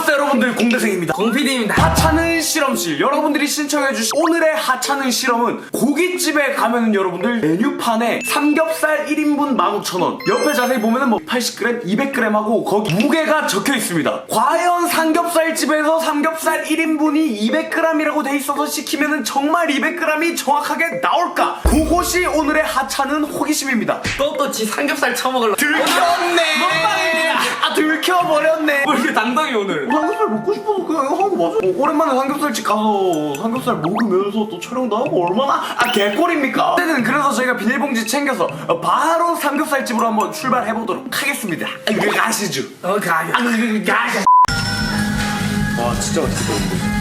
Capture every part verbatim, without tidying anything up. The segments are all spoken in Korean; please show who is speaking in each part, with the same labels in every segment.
Speaker 1: 반갑습니다 여러분들, 공대생입니다.
Speaker 2: 공피디입니다.
Speaker 1: 하찮은 실험실, 여러분들이 신청해주신 오늘의 하찮은 실험은 고깃집에 가면은 여러분들 메뉴판에 삼겹살 일 인분 만 오천 원, 옆에 자세히 보면은 뭐 팔십 그램, 이백 그램 하고 거기 무게가 적혀 있습니다. 과연 삼겹살집에서 삼겹살 일 인분이 이백 그램이라고 돼 있어서 시키면은 정말 이백 그램이 정확하게 나올까? 그것이 오늘의 하찮은 호기심입니다.
Speaker 2: 또또 지 삼겹살 처먹으려고
Speaker 1: 들켰네.
Speaker 2: 먹방입니다.
Speaker 1: 아, 들켜버렸네.
Speaker 2: 뭐 이렇게 당당히 오늘.
Speaker 1: 삼겹살 먹고 싶어서 그냥 이거 하고 맞아. 뭐, 오랜만에 삼겹살집 가서 삼겹살 먹으면서 또 촬영도 하고 얼마나 아 개꿀입니까? 어쨌든 그래서 저희가 비닐봉지 챙겨서 바로 삼겹살집으로 한번 출발해보도록 하겠습니다. 이거 가시죠.
Speaker 2: 어 가요.
Speaker 1: 아, 이거 가시죠. 와, 진짜 맛있겠다.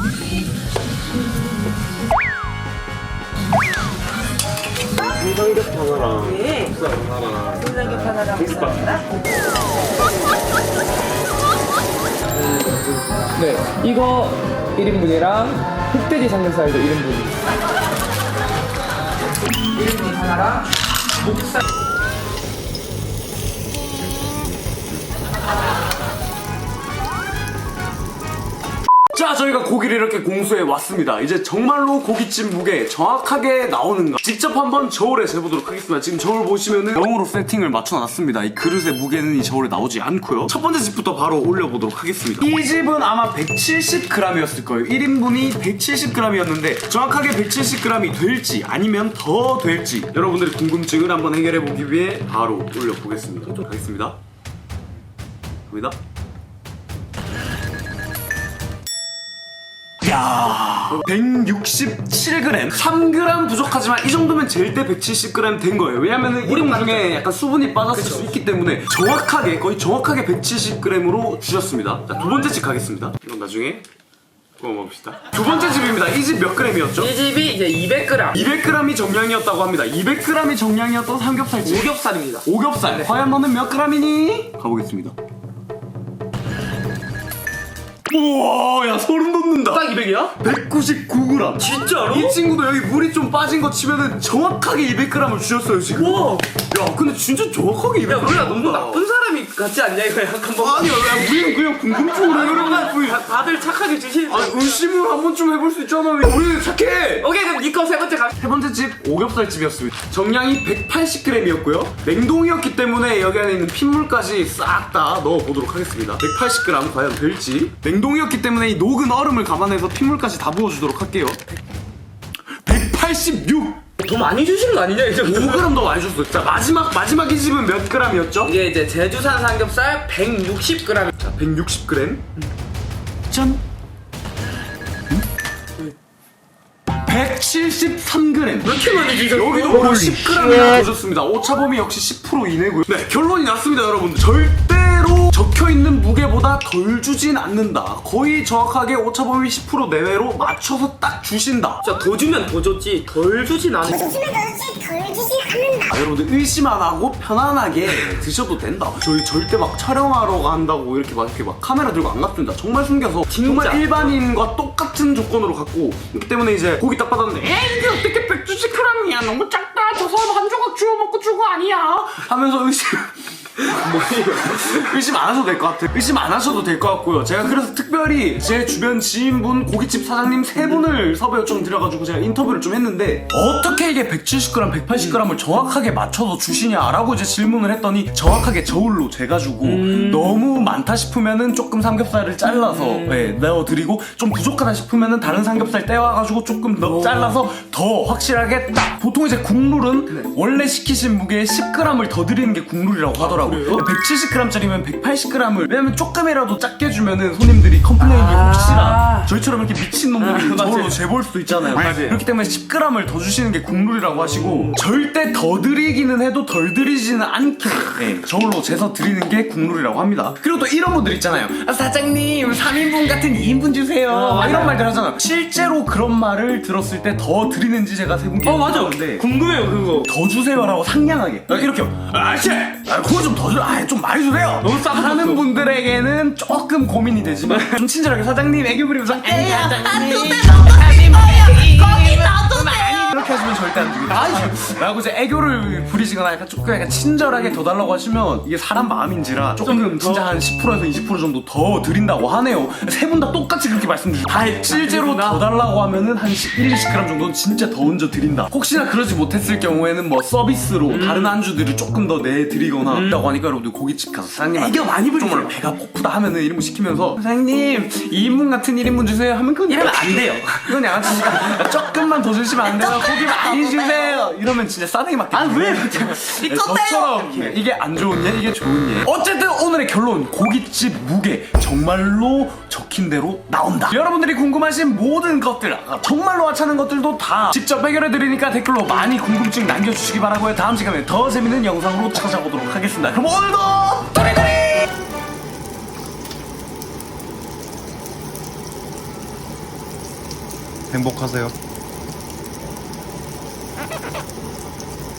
Speaker 1: 삼겹 하나랑
Speaker 3: 네.
Speaker 1: 국산 하나랑
Speaker 3: 삼겹 하나랑 국산이랑.
Speaker 4: 네, 이거 일 인분이랑 흑돼지 삼겹살도 일 인분.
Speaker 2: 일 인분 하나랑 목살.
Speaker 1: 자, 저희가 고기를 이렇게 공수해 왔습니다. 이제 정말로 고깃집 무게 정확하게 나오는가 직접 한번 저울에 재보도록 하겠습니다. 지금 저울 보시면은 영으로 세팅을 맞춰놨습니다. 이 그릇의 무게는 이 저울에 나오지 않고요. 첫 번째 집부터 바로 올려보도록 하겠습니다. 이 집은 아마 백칠십 그램이었을 거예요. 일 인분이 백칠십 그램이었는데 정확하게 백칠십 그램이 될지 아니면 더 될지 여러분들의 궁금증을 한번 해결해보기 위해 바로 올려보겠습니다. 좀 가겠습니다. 갑니다. 야, 백육십칠 그램, 삼 그램 부족하지만 이 정도면 제일 때 백칠십 그램 된 거예요. 왜냐면은 일 인분 중에 약간 수분이 빠졌을 그쵸. 수 있기 때문에 정확하게, 거의 정확하게 백칠십 그램으로 주셨습니다. 자, 두 번째 집 가겠습니다. 이건 나중에 구워 먹읍시다. 두 번째 집입니다. 이 집 몇 그램이었죠?
Speaker 2: 이 집이 이제 이백 그램.
Speaker 1: 이백 그램이 정량이었다고 합니다. 이백 그램이 정량이었던 삼겹살집.
Speaker 2: 오겹살입니다.
Speaker 1: 오겹살. 네. 과연 너는 몇 그램이니? 가보겠습니다. 우와, 야, 소름 돋는다.
Speaker 2: 딱 이백이야?
Speaker 1: 백구십구 그램.
Speaker 2: 진짜로?
Speaker 1: 이 친구도 여기 물이 좀 빠진 거 치면은 정확하게 이백 그램을 주셨어요 지금.
Speaker 2: 우와.
Speaker 1: 야, 근데 진짜 정확하게 이백 그램.
Speaker 2: 야, 우리가 너무 나쁜 사람이 같지 않냐 이거 약간 뭐.
Speaker 1: 아니야, 야, 우리는 그냥 궁금증으로 해결하는 뿐이야.
Speaker 2: 다- 다들 착하게 주시는.
Speaker 1: 아니, 의심을 한 번쯤 해볼 수 있잖아. 우리는 착해.
Speaker 2: 오케이, 그럼 니꺼 세 번째 가.
Speaker 1: 세 번째 집 오겹살 집이었습니다. 정량이 백팔십 그램이었고요. 냉동이었기 때문에 여기 안에 있는 핏물까지 싹 다 넣어보도록 하겠습니다. 백팔십 그램 과연 될지. 냉동이었기 때문에 이 녹은 얼음을 감안해서 핏물까지 다 부어주도록 할게요. 백팔십육!
Speaker 2: 더 많이 주신 거 아니냐 이제.
Speaker 1: 오 그램 더 많이 줬어요. 자, 마지막 마지막 이 집은 몇 그램이었죠?
Speaker 2: 이게 이제 제주산 삼겹살 백육십 그램.
Speaker 1: 자, 백육십 그램. 짠. 백칠십삼 그램.
Speaker 2: 왜 이렇게 많이 주셨어요?
Speaker 1: 여기도 바로 십 그램이나 주셨습니다. 오차범위 역시 십 퍼센트 이내고요. 네, 결론이 났습니다, 여러분. 절대로 적혀있는 무게보다 덜 주진 않는다. 거의 정확하게 오차범위 십 퍼센트 내외로 맞춰서 딱 주신다.
Speaker 2: 진짜 더 주면 더 줬지 덜 주진 않아.
Speaker 5: 주시면 그렇지 덜 주진 않는다.
Speaker 1: 아, 여러분들 의심 안 하고 편안하게 드셔도 된다. 저희 절대 막 촬영하러 간다고 이렇게 막 이렇게 막 카메라 들고 안 갔습니다. 정말 숨겨서 정말 일반인과 똑같은 조건으로 갖고 있기 때문에 이제 고기 딱 받았는데 에이, 이게 어떻게 백칠십 그램이야 너무 작다. 저 사람 한 조각 주워 먹고 주고 아니야 하면서 의심 의심 안 하셔도 될 것 같아요. 의심 안 하셔도 될 것 같고요. 제가 그래서 특별히 제 주변 지인분, 고깃집 사장님 세 분을 섭외 요청 드려가지고 제가 인터뷰를 좀 했는데 어떻게 이게 백칠십 그램, 백팔십 그램을 정확하게 맞춰서 주시냐라고 이제 질문을 했더니 정확하게 저울로 재가지고 음... 너무 많다 싶으면은 조금 삼겹살을 잘라서 음... 네, 넣어드리고 좀 부족하다 싶으면은 다른 삼겹살 떼와가지고 조금 더 잘라서 더 확실하게 딱. 보통 이제 국룰은 네. 원래 시키신 무게에 십 그램을 더 드리는 게 국룰이라고 하더라고요. 아, 백칠십 그램짜리면 백팔십 그램을 왜냐면 조금이라도 작게 주면은 손님들이 컴플레인이
Speaker 2: 아
Speaker 1: 혹시나 저희처럼 이렇게 미친 놈들이
Speaker 2: 아,
Speaker 1: 저걸로 재볼 수도 있잖아요. 맞아요. 그렇기 때문에 십 그램을 더 주시는 게 국룰이라고 하시고 절대 더 드리기는 해도 덜 드리지는 않게 네, 저걸로 재서 드리는 게 국룰이라고 합니다. 그리고 또 이런 분들 있잖아요. 아, 사장님 삼 인분 같은 이 인분 주세요.
Speaker 2: 어,
Speaker 1: 이런 말들 하잖아요. 실제로 그런 말을 들었을 때 더 드리는지 제가 세 분께
Speaker 2: 어 맞아. 궁금해요 그거.
Speaker 1: 더 주세요라고 상냥하게 이렇게 아씨 아, 그거 좀 더 줘. 아, 좀 많이 주세요.
Speaker 2: 너무 싹
Speaker 1: 하는 분들에게는 조금 고민이 되지만 좀 친절하게 사장님 애교 부리면서 에이 사장님 거기 놔두세요. 이렇게 하시면 절대 안 됩니다. 라고 이제 애교를 부리시거나 약간 조금 약간 친절하게 더 달라고 하시면 이게 사람 마음인지라 조금 진짜 한 십 퍼센트에서 이십 퍼센트 정도 더 드린다고 하네요. 세 분 다 똑같이 그렇게 말씀 주시고 아, 실제로 더 달라고 하면은 한 일, 이십 그램 정도는 진짜 더 얹어 드린다. 혹시나 그러지 못했을 경우에는 뭐 서비스로
Speaker 2: 음.
Speaker 1: 다른 안주들을 조금 더 내드리거나 한다고 하니까 여러분들 고깃집 가서 사장님한테
Speaker 2: 애교 많이 부리세요.
Speaker 1: 정말 배가 고프다 하면은 이런 거 시키면서 사장님 이 인분 같은 일 인분 주세요 하면 그건
Speaker 2: 이러면 안 돼요.
Speaker 1: 그건 양아치니까 조금만 더 주시면 안 돼요? 고기 많이 주세요 이러면 진짜 싸대기 맞겠죠.
Speaker 2: 아, 왜?
Speaker 1: 네, 저처럼 이게 안 좋은 예 이게 좋은 예 어쨌든 오늘의 결론 고깃집 무게 정말로 적힌 대로 나온다. 여러분들이 궁금하신 모든 것들 정말로 하찮은 것들도 다 직접 해결해드리니까 댓글로 많이 궁금증 남겨주시기 바라고요. 다음 시간에 더 재밌는 영상으로 찾아오도록 하겠습니다. 그럼 오늘도 또리또리
Speaker 3: 행복하세요.